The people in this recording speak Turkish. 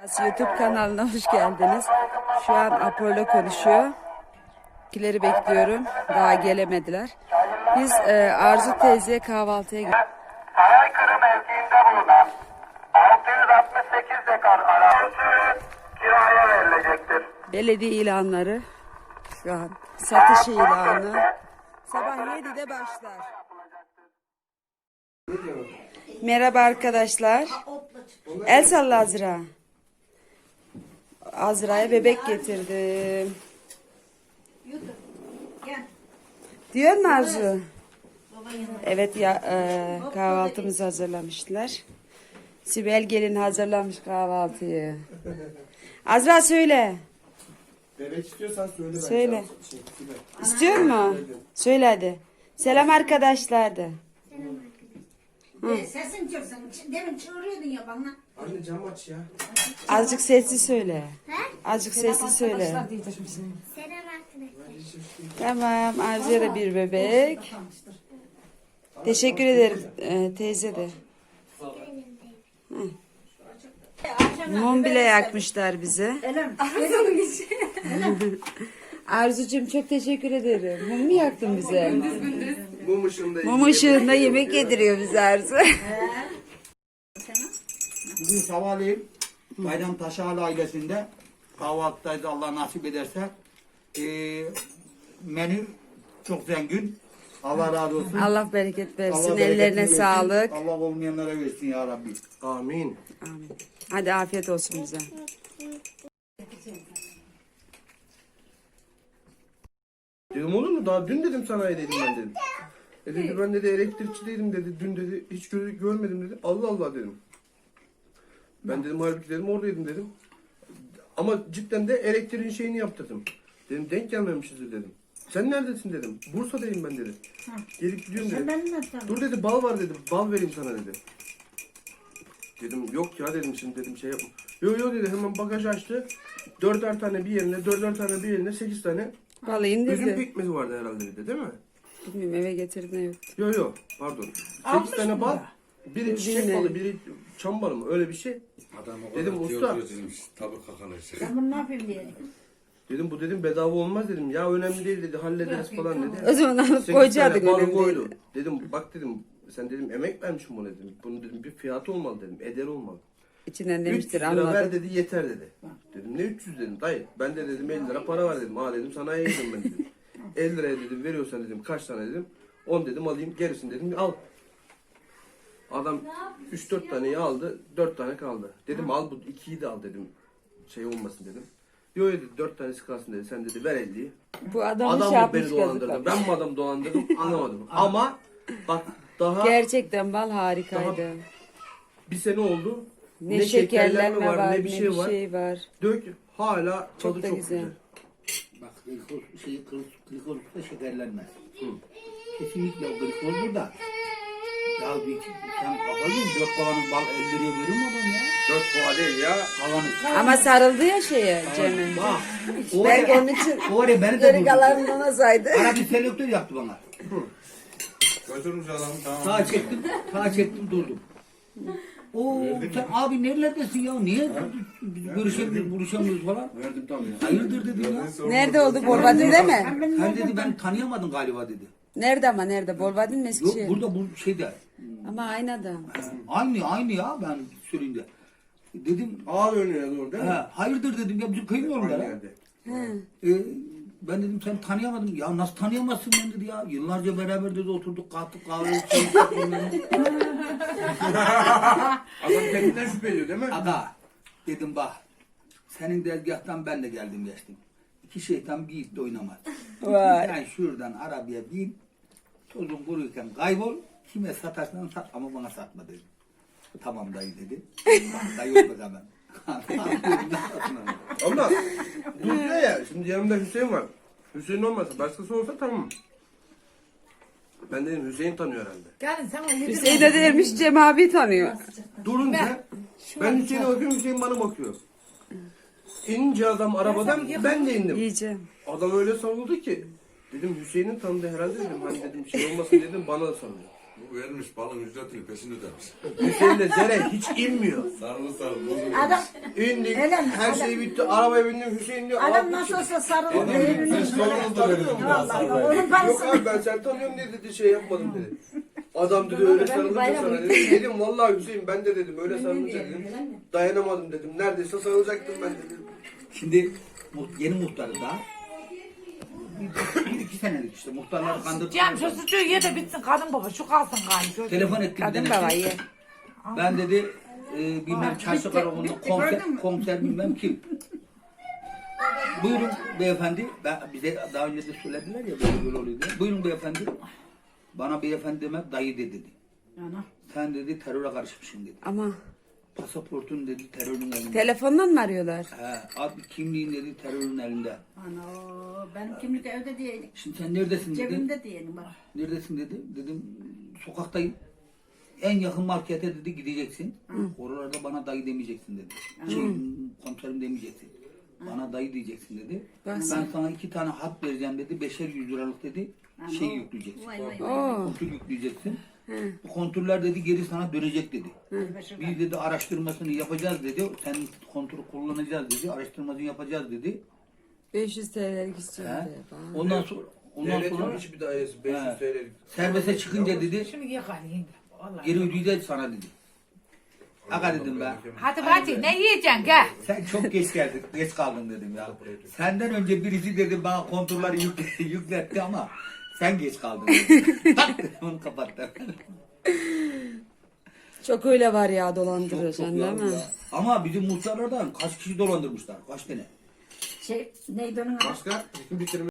YouTube kanalına hoş geldiniz. Şu an Apollo konuşuyor. Kileri bekliyorum. Daha gelemediler. Biz Arzu teyzeye kahvaltıya gittik. Saraykırı mevkiinde bulunan 668 dekar arazi kiraya verilecektir. Belediye ilanları. Şu an satış ilanı. Sabah 7'de başlar. Merhaba arkadaşlar. El salla Azra. Azra'ya bebek getirdim. Diyor mu Arzu? Evet ya kahvaltımızı hazırlamışlar. Sibel gelin hazırlamış kahvaltıyı. Azra söyle. Bebek istiyorsan söyle. Ben Söyle. Söyle. İstiyor mu? Söyle hadi. Selam arkadaşlar de. Sesin çıksın. Demin çığırıyordun ya bana. Anne cam aç ya. Azıcık sesli söyle. Azıcık sesli söyle. Selam arkadaşlar. Tamam. Arzu'ya da bir bebek. Teşekkür ederim teyze de. Mum bile yakmışlar bize. Arzucuğum çok teşekkür ederim. Mum mu yaktın bize? Mum ışığında. Mum ışığında yemek yediriyor bize Arzu. Bugün sabahleyin Bayram Taşağlı ailesinde kahvaltıdayız Allah nasip ederse. Menü çok zengin. Allah razı olsun. Allah bereket versin. Allah bereketini Ellerine versin. sağlık. Allah olmayanlara versin ya Rabbi. Amin. Amin. Hadi afiyet olsun bize. Dedim olur mu? Daha dün dedim sana dedim ben dedim. Dedi ben dedi elektrikçideydim dedi. Dün dedi hiç görmedim dedi. Allah Allah dedim. Ben dedim halbuki dedim oradaydım dedim. Ama cidden de elektriğin şeyini yaptırdım. Dedim denk gelmemişiz dedim. Sen neredesin dedim. Bursa'dayım ben dedi. Gelip gidiyorum dedim. Dur dedi bal var dedim. Bal vereyim sana dedi. Dedim yok ya dedim şimdi dedim şey yapma. Yo dedi hemen bagaj açtı. 4'er tane bir yerine 4'er tane bir yerine 8 tane Vallahi üzüm dedi. pekmezi vardı herhalde dedi değil mi? Bilmiyorum eve getirdim yok. Yo pardon. 8 tane bal. Biri çiçek balı biri çam balı mı öyle bir şey. Adam o Dedim, kadar usta. diyor dedim, tabii kakalaşı. Ben bunu ne yapayım diye. Dedim bu dedim bedava olmaz dedim. Ya önemli değil dedi hallederiz falan dedi. O zaman alıp 8 koyacaktık tane balı öyle koydu. değil. Dedim bak dedim sen dedim emek vermişsin buna dedim. Bunun dedim bir fiyatı olmalı dedim. Eder olmalı. İçinden 300 demiştir lira ver anladım. dedi yeter dedi. Dedim ne 300 dedim dayı. Ben de dedim 50 lira para var dedim. Ha dedim sanayiye gidiyorum ben dedim. 50 liraya dedim veriyorsan dedim kaç tane dedim. 10 dedim alayım gerisini dedim al. Adam 3-4 taneyi aldı 4 tane kaldı. Dedim al bu 2'yi de al dedim. Şey olmasın dedim. Yo dedi 4 tanesi kalsın dedi. Sen dedi ver 50'yi. Bu adam Adam şey mı yapmış beni dolandırdı? yazıklar. Ben mi adam dolandırdım? Anlamadım. Ama bak daha Gerçekten bal harikaydı. bir sene oldu. Ne şekerlenme var, ne bir şey var. var. Dök hala Çok tadı da çok güzel. güzel. Bak glikozda şekerlenmez. Kesinlikle o glikozdur da. Ya sen kafayı 4 kovanın bal 50 liraya verir mi adam ya? 4 kova değil ya. Kavanı. Ama sarıldı ya şeye Cem'e. Bak. O Belki var onun için o var ya beni de geri buldu. kalanını ona saydı. Bana bir selektör yaptı bana. Götürmüş adamı tamam. Sağa çektim durdum. Oo sen abi nerelerdesin ya? Niye görüşemiyoruz, buluşamıyoruz falan? Verdim tabii ya. Hayırdır dedim ya. Nerede oldu? Bolvadin'de mi? Sen dedi ben tanıyamadın galiba dedi. Nerede ama nerede? Bolvadin mi Yok Eskişehir? burada bu şeyde. Ama aynı adam. Aynı ya ben söyleyince. Dedim Ağır önüne doğru değil mi? hayırdır dedim ya bizim kıyımıyorum Aynı ya. yerde. Ben dedim sen tanıyamadım. Ya nasıl tanıyamazsın ben dedi ya. Yıllarca beraber dedi oturduk kalktık kahve içtik. Adam kendinden şüphe ediyor değil mi? Aga dedim bak senin dergahtan ben de geldim geçtim. İki şeytan bir iple oynamaz. Vay. Yani şuradan arabaya bin tozun kuruyken kaybol kime satarsan sat ama bana satma dedim. Tamam dayı dedi. Bak dayı oldu hemen. Ama dur diyor ya şimdi yanımda Hüseyin var. Hüseyin olmasa başkası olsa tamam. Ben dedim Hüseyin tanıyor herhalde. Gelin sana Hüseyin de dermiş Cem abi tanıyor. Durunca ben Hüseyin'e bakıyorum Hüseyin bana bakıyor. İnince adam arabadan ben de indim. Yiyeceğim. Adam öyle savundu ki. Dedim Hüseyin'in tanıdığı herhalde dedim. Hani dedim şey olmasın dedim bana da sanıyor. Bu vermiş balın ücretini peşin ödemiş. Hüseyin'le Zeren hiç inmiyor. Sarılı sarılı bozuldu. Adam, İndik, Öyle mi? her şey bitti, arabaya bindim, Hüseyin diyor. adam "Abi, nasıl olsa sarılır. Adam Evine siz sorunuzda verin. Vallahi onun Yok parasını. abi ben sen tanıyorum diye dedi şey yapmadım dedi. Adam dedi öyle sarılınca sana dedim. Dedim vallahi Hüseyin ben de dedim öyle sarılınca dedim. Dayanamadım dedim. Neredeyse sarılacaktım ben dedim. Şimdi yeni muhtarı da bir iki senelik işte muhtarları kandırdık. Cem şu sucuğu ye de bitsin kadın baba şu kalsın galiba. Telefon ettim. Kadın dedim baba ki, ye. ben dedi bilmem çarşı karakolunda komiser bilmem kim. Buyurun beyefendi. Bize daha önce de söylediler ya böyle oluyor diye. Buyurun beyefendi. Bana beyefendi demek dayı dedi. Sen dedi teröre karışmışsın dedi. Ama Pasaportun dedi terörün elinde. telefondan mı arıyorlar? He, abi kimliğin dedi terörün elinde. Ana benim kimlik evde diyeydik. Şimdi sen neredesin dedi. Cebimde diyelim bak. Neredesin dedi. Dedim sokaktayım. En yakın markete dedi gideceksin. Oralarda bana dayı demeyeceksin dedi. Komiserim demeyeceksin. Bana dayı diyeceksin dedi. Bak Ben sana 2 tane hap vereceğim dedi. 5'er 100 liralık dedi. Şey yükleyeceksin. Vay vay. Oo. Kontrol yükleyeceksin. Bu kontroller dedi geri sana dönecek dedi. Biz dedi araştırmasını yapacağız dedi. Sen kontrol kullanacağız dedi. Araştırmasını yapacağız dedi. 500 TL'lik istiyorum He. diye. Bana. Ondan Devletin sonra hiçbir dairesi 500 He. TL'lik. serbeste çıkınca dedi Şimdi ye hadi yenge. Vallahi. geri ödeyeceğiz sana dedi. Aga dedim ben. Hadi Fatih ne yiyeceksin gel. Sen çok geç geldin, geç kaldın dedim ya. Senden önce birisi dedi bana kontrolleri yükletti ama sen geç kaldın dedim. Tak dedim onu kapattım. Çok öyle var ya dolandırıcı değil yavrum mi? ya. Ama bizim muhtarlardan kaç kişi dolandırmışlar, kaç tane? Neydi onun adı? Başka? Bütün bitirme